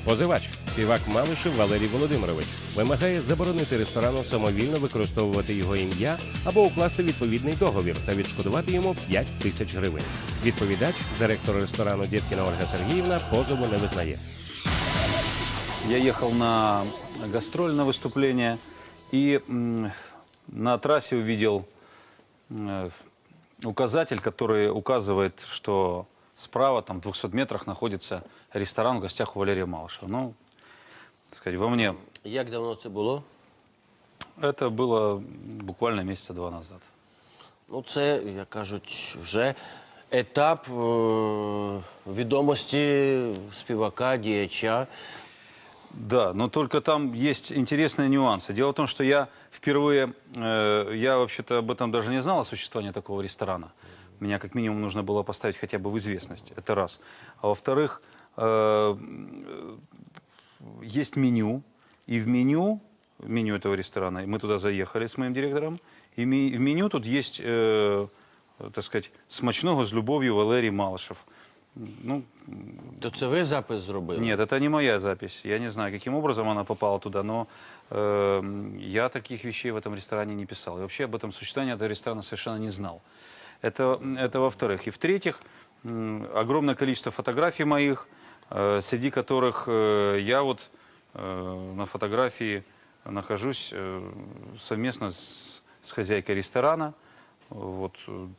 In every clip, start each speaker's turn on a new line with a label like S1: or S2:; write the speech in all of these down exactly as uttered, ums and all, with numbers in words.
S1: Позивач, співак Малишев Валерій Володимирович, вимагає заборонити ресторану самовільно використовувати його ім'я або укласти відповідний договір та відшкодувати йому п'ять тисяч гривень. Відповідач, директор ресторану Дєткіна Ольга Сергіївна, позову не визнає.
S2: Я ехал на гастроль, на выступление, и на трассе увидел указатель, который указывает, что справа, там, в двухстах метрах, находится ресторан в гостях у Валерия Малышева. Ну, так сказать, во мне...
S3: Як давно це було?
S2: Это было буквально месяца два назад.
S3: Ну, це, як кажуть, вже етап е відомості співака, діяча.
S2: Да, но только там есть интересные нюансы. Дело в том, что я впервые, э, я вообще-то об этом даже не знал, о существовании такого ресторана. Меня как минимум нужно было поставить хотя бы в известность, это раз. А во-вторых, э, есть меню, и в меню, меню этого ресторана, мы туда заехали с моим директором, и в меню тут есть, э, так сказать, «Смачного з любов'ю Валерій Малышев». Ну,
S3: То це ви запис зробили?
S2: нет, это не моя запись. Я не знаю, каким образом она попала туда, но э, я таких вещей в этом ресторане не писал. И вообще об этом существовании этого ресторана совершенно не знал. Это, это во-вторых. И в-третьих, огромное количество фотографий моих, э, среди которых э, я вот э, на фотографии нахожусь э, совместно с, с хозяйкой ресторана. Вот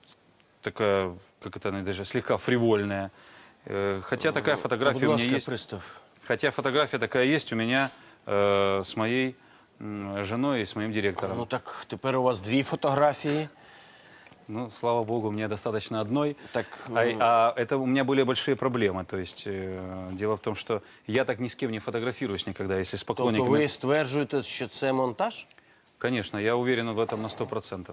S2: такая, как это она даже слегка фривольная. Хотя такая фотография у меня есть.
S3: Пристав.
S2: Хотя фотография такая есть у меня э, с моей э, женой и с моим директором.
S3: Ну так тепер у вас дві фотографії.
S2: Ну, слава богу, мне достаточно одной.
S3: Так,
S2: а, а это у меня были большие проблемы. То есть э, дело в том, что я так ни с кем не фотографируюсь никогда, если с поклонниками.
S3: Тобто ви стверджуєте, що це монтаж?
S2: Конечно, я уверен в этом на сто процентов.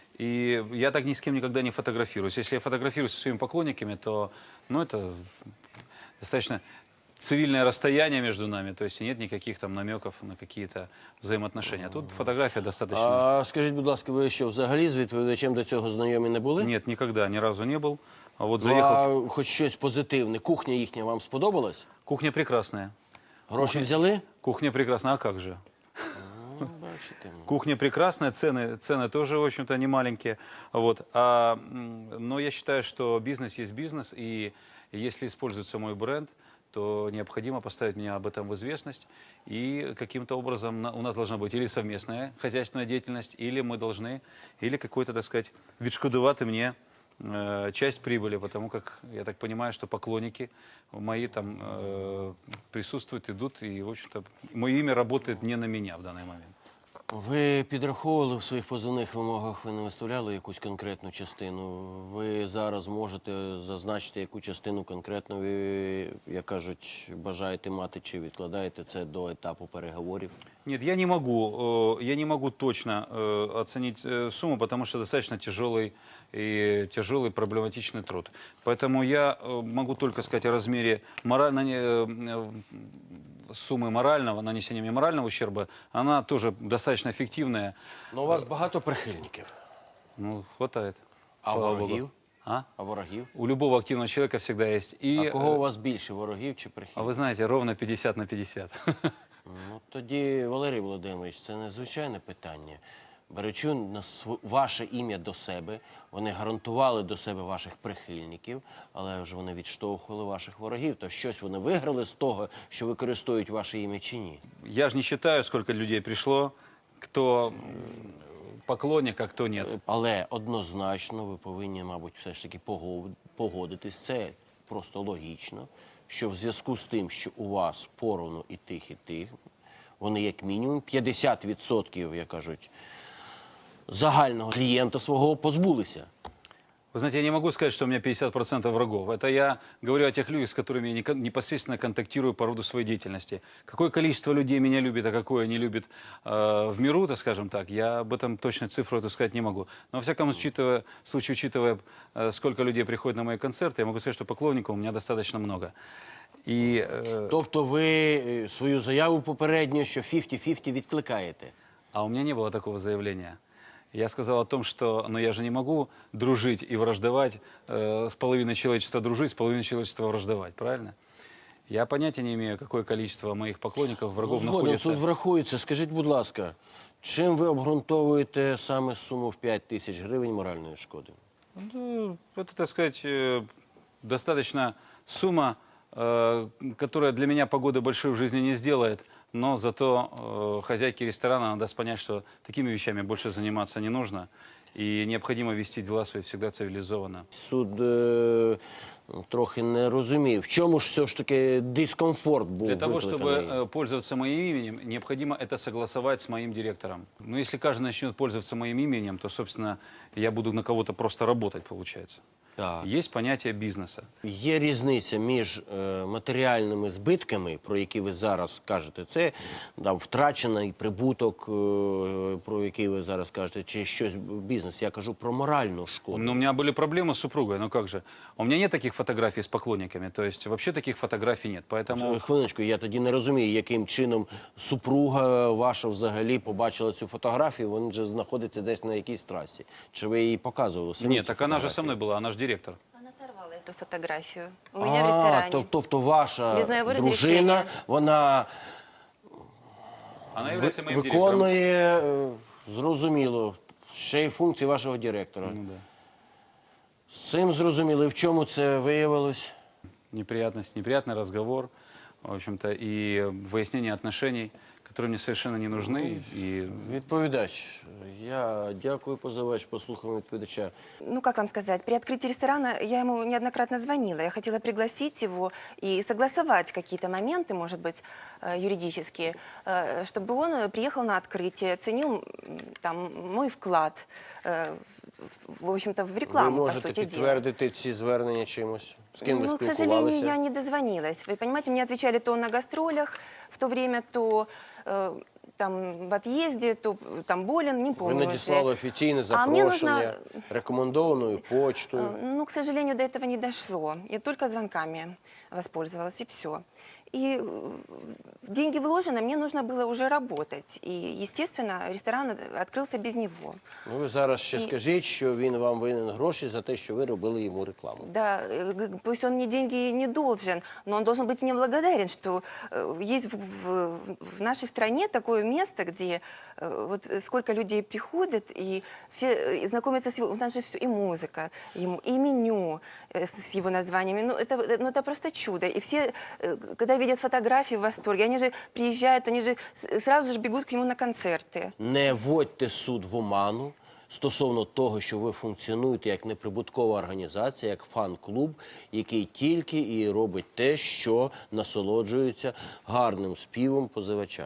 S2: И я так ни с кем никогда не фотографируюсь. Если я фотографируюсь со своими поклонниками, то, ну, это достаточно цивильное расстояние между нами, то есть нет никаких там намеков на какие-то взаимоотношения. А тут фотография достаточно...
S3: А скажіть, будь ласка, ви що, взагалі з відповідачем до цього знайомі не були?
S2: Нет, никогда, ни разу не был. А вот
S3: Ну,
S2: заехал...
S3: а хоч щось позитивне. Кухня їхня вам сподобалась?
S2: Кухня прекрасная.
S3: Гроші взяли?
S2: Кухня прекрасная, а как же?
S3: Ну, бачите.
S2: Кухня прекрасная, цены, цены тоже, в общем-то, не маленькие. Вот. А, но я считаю, что бизнес есть бизнес, и если используется мой бренд, то необходимо поставить меня об этом в известность. И каким-то образом у нас должна быть или совместная хозяйственная деятельность, или мы должны, или какой-то, так сказать, відшкодувати мне э, часть прибыли, потому как, я так понимаю, что поклонники мои там э, присутствуют, идут, и, в общем-то, мое имя работает не на меня в данный момент.
S3: Ви підраховували в своїх позовних вимогах, ви не виставляли якусь конкретну частину. Ви зараз можете зазначити, яку частину конкретно ви, як кажуть, бажаєте мати, чи відкладаєте це до етапу переговорів?
S2: Нет, я не могу, я не могу точно оценить сумму, потому что достаточно тяжелый и тяжелый проблематичный труд. Поэтому я могу только сказать о размере морально, суммы морального, нанесения мне морального ущерба. Она тоже достаточно эффективная.
S3: Ну, у вас багато прихильників.
S2: Ну, хватает.
S3: А ворогів?
S2: А?
S3: А ворогів?
S2: У любого активного человека всегда есть. И,
S3: а кого у вас більше, ворогів чи
S2: а
S3: прихильників?
S2: вы знаете, ровно пятьдесят на пятьдесят.
S3: Ну, тоді, Валерій Володимирович, це незвичайне питання. Беручи на св... ваше ім'я до себе, вони гарантували до себе ваших прихильників, але ж вони відштовхували ваших ворогів. То щось вони виграли з того, що використовують ваше ім'я чи ні?
S2: Я же не считаю, сколько людей пришло, кто поклонник, а кто нет.
S3: Але однозначно ви повинні, мабуть, все ж таки погодитись. Це просто логічно, що в зв'язку з тим, що у вас поровну і тих, і тих, вони як мінімум п'ятдесят відсотків, як кажуть, загального клиента своего позбулися.
S2: Вы знаете, я не могу сказать, что у меня пятьдесят процентов врагов. Это я говорю о тех людях, с которыми я непосредственно контактирую по роду своей деятельности. Какое количество людей меня любит, а какое не любит э, в миру, так скажем так, я об этом точно цифру эту сказать не могу. Но, во всяком учитывая, случае, учитывая, э, сколько людей приходит на мои концерты, я могу сказать, что поклонников у меня достаточно много. І, е...
S3: Тобто ви свою заяву попередню, що п'ятдесят на п'ятдесят відкликаєте?
S2: А у меня не было такого заявления. Я сказал о том, что ну, я же не могу дружить и враждовать, э, с половиной человечества дружить, с половиной человечества враждовать, правильно? Я понятия не имею, какое количество моих поклонников, врагов
S3: Згоден,
S2: находится.
S3: суд врахується. Скажіть, будь ласка, чим ви обґрунтовуєте саме суму в п'ять тисяч гривень моральної шкоди?
S2: Ну, это, так сказать, э, достаточно сумма, э, которая для меня погоды большой в жизни не сделает, но зато э, хозяйке ресторана она даст понять, что такими вещами больше заниматься не нужно, и необходимо вести дела свои всегда цивилизованно.
S3: Суд е, трохи не розумів. В чому ж все ж таки дискомфорт був
S2: Для того, чтобы
S3: викликаний?
S2: э, пользоваться моим именем, необходимо это согласовать с моим директором. Но если каждый начнет пользоваться моим именем, то, собственно, я буду на кого-то просто работать, получается.
S3: Так.
S2: Есть понятие бизнеса.
S3: Є різниця між е, матеріальними збитками, про які ви зараз кажете, це там, втрачений прибуток, е, про який ви зараз кажете, чи щось бізнес. Я кажу про моральну шкоду.
S2: Но у меня были проблемы с супругой, ну как же. У меня нет таких фотографий с поклонниками, то есть вообще таких фотографий нет. Поэтому
S3: Хвилиночку, я тоді не розумію, яким чином супруга ваша взагалі побачила цю фотографію, вона вже знаходиться десь на якійсь трасі. Чи ви її показували самі?
S2: нет,
S3: цю
S2: так она же со
S3: фотографію?
S2: мной была, она же директор.
S4: Она сорвала эту фотографию у меня в
S3: А,
S4: ресторане.
S3: то- тобто ваша
S4: Без моєго
S3: дружина,
S4: розрішення.
S3: вона
S2: Она
S3: ви-
S2: является моим директором.
S3: виконує, е, зрозуміло, ще й функції вашого директора.
S2: Ну, да.
S3: З цим зрозуміло. І в чому це виявилось?
S2: Неприятность, неприятный разговор, в общем-то, и выяснение отношений, которые мне совершенно не нужны. И
S3: Відповідач. Я дякую, позивач, послухаємо відповідача.
S4: Ну, как вам сказать, при открытии ресторана я ему неоднократно звонила. Я хотела пригласить его и согласовать какие-то моменты, может быть, э, юридические, э, чтобы он приехал на открытие, оценил м, там мой вклад, э, в в общем-то, в
S3: Ви
S4: рекламу, по
S3: можете
S4: сути дела.
S3: підтвердити ці звернення чимось? З ким ви
S4: Ну, к сожалению,
S3: спілкувалися?
S4: я не дозвонилась. Вы понимаете, мне отвечали то на гастролях в то время, то э, там в отъезде, то э, там болен, не
S3: Ви
S4: помню уже.
S3: надіслали офіційне
S4: А мені
S3: запрошення
S4: нужно-
S3: рекомендованою почтою.
S4: Э, Ну, к сожалению, до этого не дошло. Я только звонками воспользовалась, и все. И э, деньги вложены, мне нужно было уже работать. И, естественно, ресторан открылся без него.
S3: Ну, ви зараз ще
S4: І-
S3: скажіть, що він вам винен гроші за те, що ви робили йому рекламу.
S4: Да, э, г- пусть он мне деньги не должен, но он должен быть мне благодарен, что э, есть в, в- в нашей стране такое место, где э, вот сколько людей приходят, и все э, знакомятся с его... У нас же все, и музыка, и, м- и меню э, с с его названиями. Ну это, э, ну, это просто чудо. И все, э, когда видят фотографии, в восторге. Они же приезжают, они же с- сразу же бегут к нему на концерты.
S3: Не вводьте суд в оману стосовно того, що ви функціонуєте як неприбуткова організація, як фан-клуб, який тільки і робить те, що насолоджується гарним співом позивача.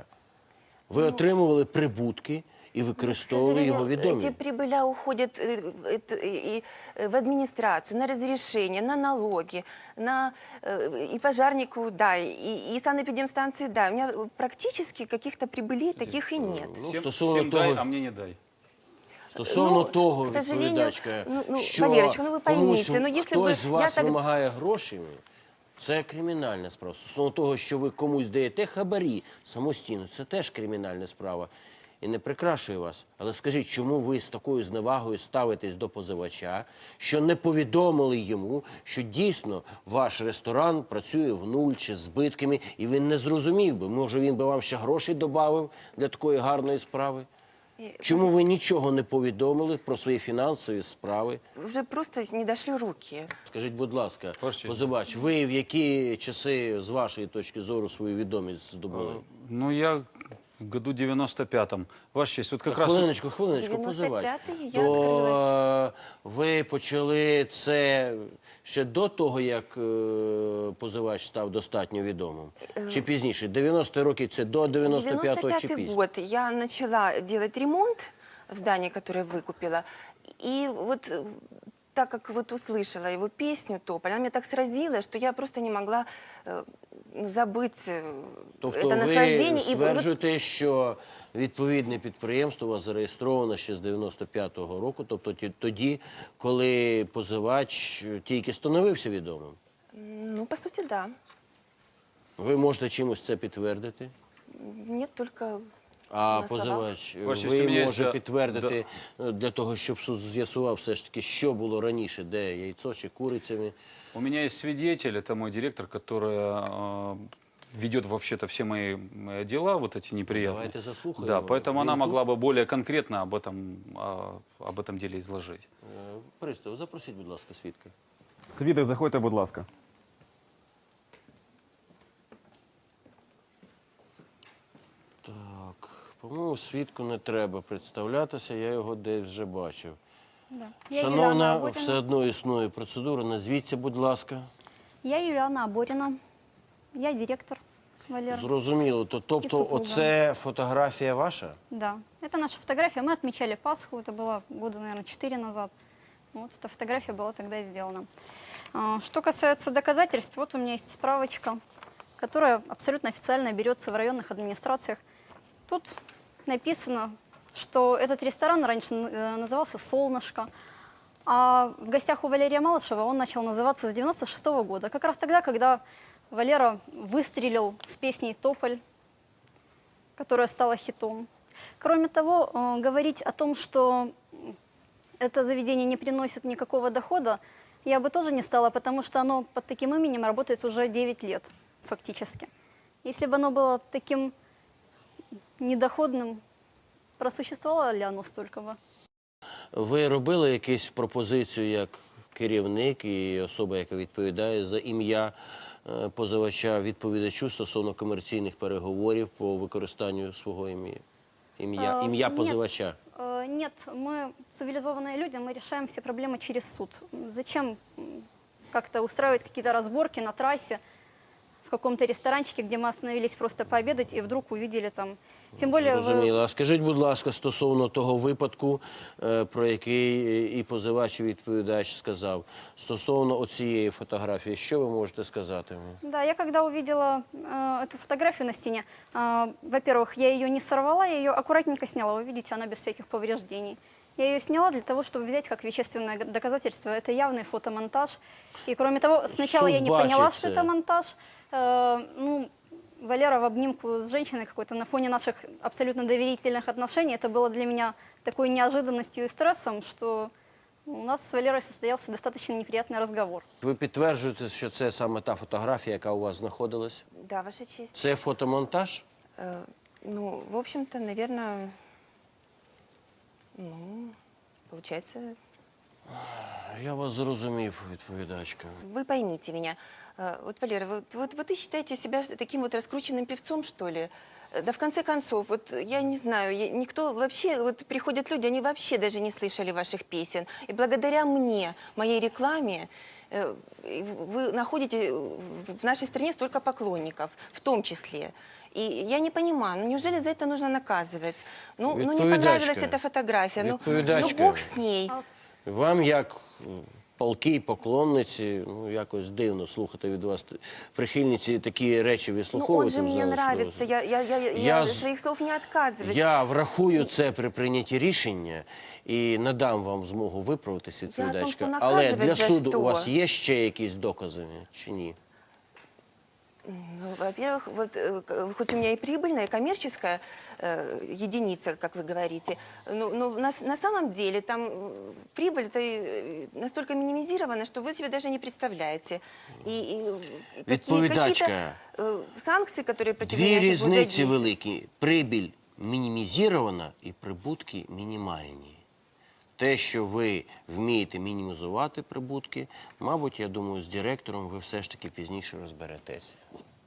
S3: Ви отримували прибутки і
S4: К
S3: використовували його
S4: сожалению,
S3: відомі.
S4: эти прибыля уходят э, это, и- и в администрацию, на разрешение, на налоги, на э, и пожарнику, да, и, и санэпидемстанции, да. У меня практически каких-то прибылей таких и нет.
S3: Ну,
S2: всем,
S3: стосовно
S2: всем
S3: того-
S2: дай, а мне не дай.
S3: Стосовно
S4: Ну,
S3: того,
S4: к сожалению,
S3: відповідачка,
S4: ну, ну,
S3: що
S4: Валерочка, ну, ви
S3: комусь
S4: поймите, ну, если бы
S3: хтось з
S4: я
S3: вас
S4: так-
S3: вимагає грошами, це кримінальна справа. Стосовно того, що ви комусь даєте хабарі самостійно, це теж кримінальна справа. І не прикрашує вас. Але скажіть, чому ви з такою зневагою ставитесь до позивача, що не повідомили йому, що дійсно ваш ресторан працює в нуль чи з збитками, і він не зрозумів би, може він би вам ще грошей додав для такої гарної справи? Чому ви нічого не повідомили про свої фінансові справи?
S4: Уже просто не дошли руки.
S3: Скажіть, будь ласка,
S2: Ваш честь.
S3: позивач, ви в які часи, з вашої точки зору, свою відомість здобули?
S2: Ну, я в году девяносто пятом. Ваша честь, вот как раз...
S3: Хвилиночку, хвилиночку,
S4: дев'яносто
S3: позивач.
S4: п'ятий я
S3: То е, ви почали це ще до того, як е, позивач став достатньо відомим? Чи пізніше? дев'яності роки це до дев'яносто п'ятого чи
S4: девяносто пятый
S3: пізніше?
S4: год я начала делать ремонт в здании, которое выкупила. И вот э, так как вот услышала его песню «Тополь», она меня так сразила, что я просто не могла э, ну, забыть э,
S3: Тобто
S4: это
S3: ви
S4: наслаждение. И вот-
S3: стверджуєте, що відповідне підприємство у вас зареєстровано ще з дев'яносто п'ятого року, тобто ті- тоді, коли позивач тільки становився відомим.
S4: ну, по сути, да.
S3: Ви можете чимось це підтвердити?
S4: Нет, только
S3: А
S4: на словах.
S3: позивач,
S2: Ваша честь, у
S3: ви
S2: мене є
S3: може
S2: да-
S3: підтвердити е, для того, щоб суд з'ясував все ж таки, що було раніше, де яйцо чи курицями?
S2: У меня есть свидетель, это мой директор, которая э, ведет вообще-то все мои э, дела, вот эти неприятные.
S3: Давайте заслухаем
S2: Да,
S3: его.
S2: поэтому она
S3: Він
S2: могла бы более конкретно об этом, а, об этом деле изложить.
S3: Е, Пристав, запросіть, будь ласка, свідка.
S5: Свідок, заходьте, будь ласка.
S3: Так, по-моєму, свідку не треба представлятися, я його десь вже бачив.
S6: Да. Я Юлиана
S3: Шановна,
S6: Аборина.
S3: все одно існує процедура, назвіться, будь ласка.
S6: Я Юлиана Аборина. Я директор, Валера.
S3: Зрозуміло, то, тобто
S6: супруга.
S3: оце фотографія ваша?
S6: Да. Это наша фотография. Мы отмечали Пасху. Это было года, наверное, четыре назад. Вот эта фотография была тогда и сделана. А, Что касается доказательств, вот у меня есть справочка, которая абсолютно официально берется в районных администрациях. Тут написано, что этот ресторан раньше э, назывался «Солнышко», а в гостях у Валерия Малышева он начал называться с девяносто шестого года, как раз тогда, когда Валера выстрелил с песней «Тополь», которая стала хитом. Кроме того, э, говорить о том, что это заведение не приносит никакого дохода, я бы тоже не стала, потому что оно под таким именем работает уже девять лет, фактически. Если бы оно было таким недоходным, просуществовало ли оно столько бы?
S3: Ви робили якусь пропозицію як керівник і особа, яка відповідає за ім'я е, позивача, відповідачу стосовно комерційних переговорів по використанню свого ім'я? Ім'я,
S6: Е,
S3: ім'я
S6: ні.
S3: позивача?
S6: Э, Нет, мы цивилизованные люди, мы решаем все проблемы через суд. Зачем м, как-то устраивать какие-то разборки на трассе, в каком-то ресторанчике, где мы остановились просто пообедать и вдруг увидели там... Тем более... вы-
S3: Зрозуміло. А скажіть, будь ласка, стосовно того випадку, е, про який і позивач, і відповідач сказав, стосовно оцієї фотографії, що ви можете сказати?
S6: Да, я когда увидела э, эту фотографию на стене, э, во-первых, я ее не сорвала, я ее аккуратненько сняла. Вы видите, она без всяких повреждений. Я ее сняла для того, чтобы взять как вещественное г- доказательство. Это явный фотомонтаж. И кроме того, сначала
S3: Суд
S6: я не поняла,
S3: бачит
S6: что
S3: это.
S6: это монтаж. Э, ну, Валера в обнимку с женщиной какой-то на фоне наших абсолютно доверительных отношений. Это было для меня такой неожиданностью и стрессом, что у нас с Валерой состоялся достаточно неприятный разговор.
S3: Ви підтверджуєте, що це саме та фотографія, яка у вас знаходилась?
S4: Да, Ваша честь.
S3: Це фотомонтаж?
S4: Э, Ну, в общем-то, наверное, ну, получается,
S3: Я вас зрозумів, відповідачка.
S4: вы поймите меня. Э, Вот, Валера, вот, вот, вот вы считаете себя таким вот раскрученным певцом, что ли? Э, Да в конце концов, вот я не знаю, я- никто вообще, вот приходят люди, они вообще даже не слышали ваших песен. И благодаря мне, моей рекламе, э, и вы находите в- в нашей стране столько поклонников, в том числе. И я не понимаю, ну неужели за это нужно наказывать? Ну, ну не
S3: Відповідачка.
S4: понравилась эта фотография, ну, ну
S3: Відповідачка.
S4: Бог с ней.
S3: Вам, як м, палкій поклонниці, ну, якось дивно слухати від вас т- прихильниці такі речі
S4: Ну он
S3: вислуховувати.
S4: же
S3: в
S4: мне
S3: залі
S4: нравится,
S3: судового.
S4: я, я, я, я,
S3: Я з-
S4: своих слов не отказываюсь.
S3: Я врахую це при прийнятті рішення і надам вам змогу виправитися,
S4: Я о том,
S3: відповідачка.
S4: що
S3: Але
S4: наказувати
S3: для
S4: за
S3: суду
S4: що?
S3: у вас є ще якісь докази чи ні?
S4: Ну, во-первых, вот, э, к- хоть у меня и прибыльная, и коммерческая э, единица, как вы говорите, но, но на, с- на самом деле там э, прибыль-то э, настолько минимизирована, что вы себе даже не представляете. И, и какие,
S3: Відповідачка.
S4: какие-то э, санкции, которые против
S3: Дві
S4: меня сейчас будут
S3: різниці
S4: задействованы.
S3: великі. Прибіль мінімізована і прибутки мінімальні. Те, що ви вмієте мінімізувати прибутки, мабуть, я думаю, з директором ви все ж таки пізніше розберетеся.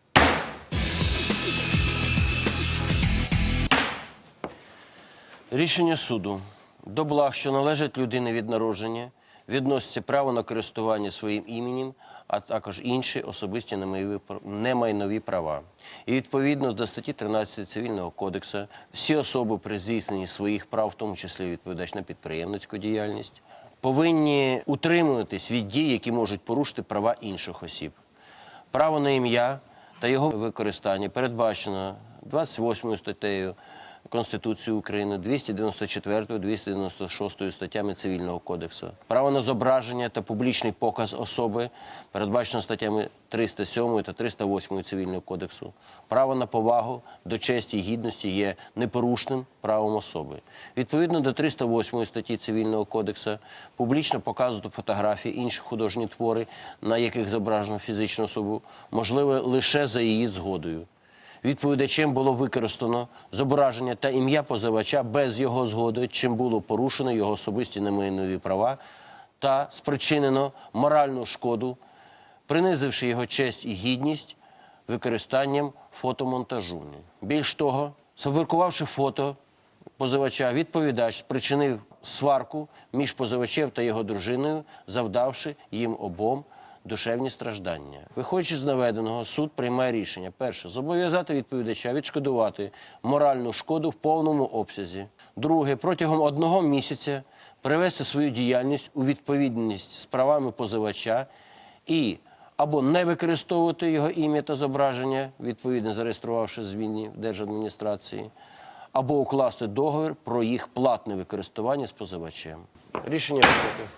S3: Рішення суду. До благ, що належать людині від народження, відноситься право на користування своїм іменем, а також інші особисті немайнові пр- немайнові права. І відповідно до статті тринадцятої Цивільного кодексу, всі особи при здійсненні своїх прав, в тому числі відповідач на підприємницьку діяльність, повинні утримуватись від дій, які можуть порушити права інших осіб. Право на ім'я та його використання передбачено двадцять восьмою статтею Конституції України, двісті дев'яносто четвертою, двісті дев'яносто шостою статтями Цивільного кодексу. Право на зображення та публічний показ особи передбачено статтями триста сьомою та триста восьмою Цивільного кодексу. Право на повагу до честі і гідності є непорушним правом особи. Відповідно до триста восьмої статті Цивільного кодексу, публічно показувати фотографії, інші художні твори, на яких зображено фізичну особу, можливо лише за її згодою. Відповідачем було використано зображення та ім'я позивача без його згоди, чим було порушено його особисті немайнові права та спричинено моральну шкоду, принизивши його честь і гідність використанням фотомонтажу. Більш того, сфабрикувавши фото позивача, відповідач спричинив сварку між позивачем та його дружиною, завдавши їм обом душевні страждання. Виходячи з наведеного, суд приймає рішення. Перше. Зобов'язати відповідача відшкодувати моральну шкоду в повному обсязі. Друге. Протягом одного місяця привести свою діяльність у відповідність з правами позивача і або не використовувати його ім'я та зображення, відповідно зареєструвавши зміни в держадміністрації, або укласти договір про їх платне використання з позивачем. Рішення викликав.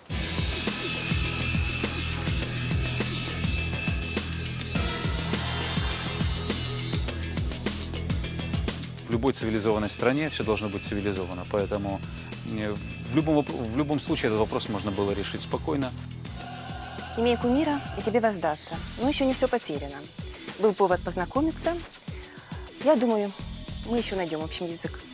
S2: В любой цивилизованной стране все должно быть цивилизовано, поэтому э, в любом, воп- в любом случае этот вопрос можно было решить спокойно.
S4: Имей кумира, и тебе воздастся. Но еще не все потеряно. Был повод познакомиться. Я думаю, мы еще найдем общий язык.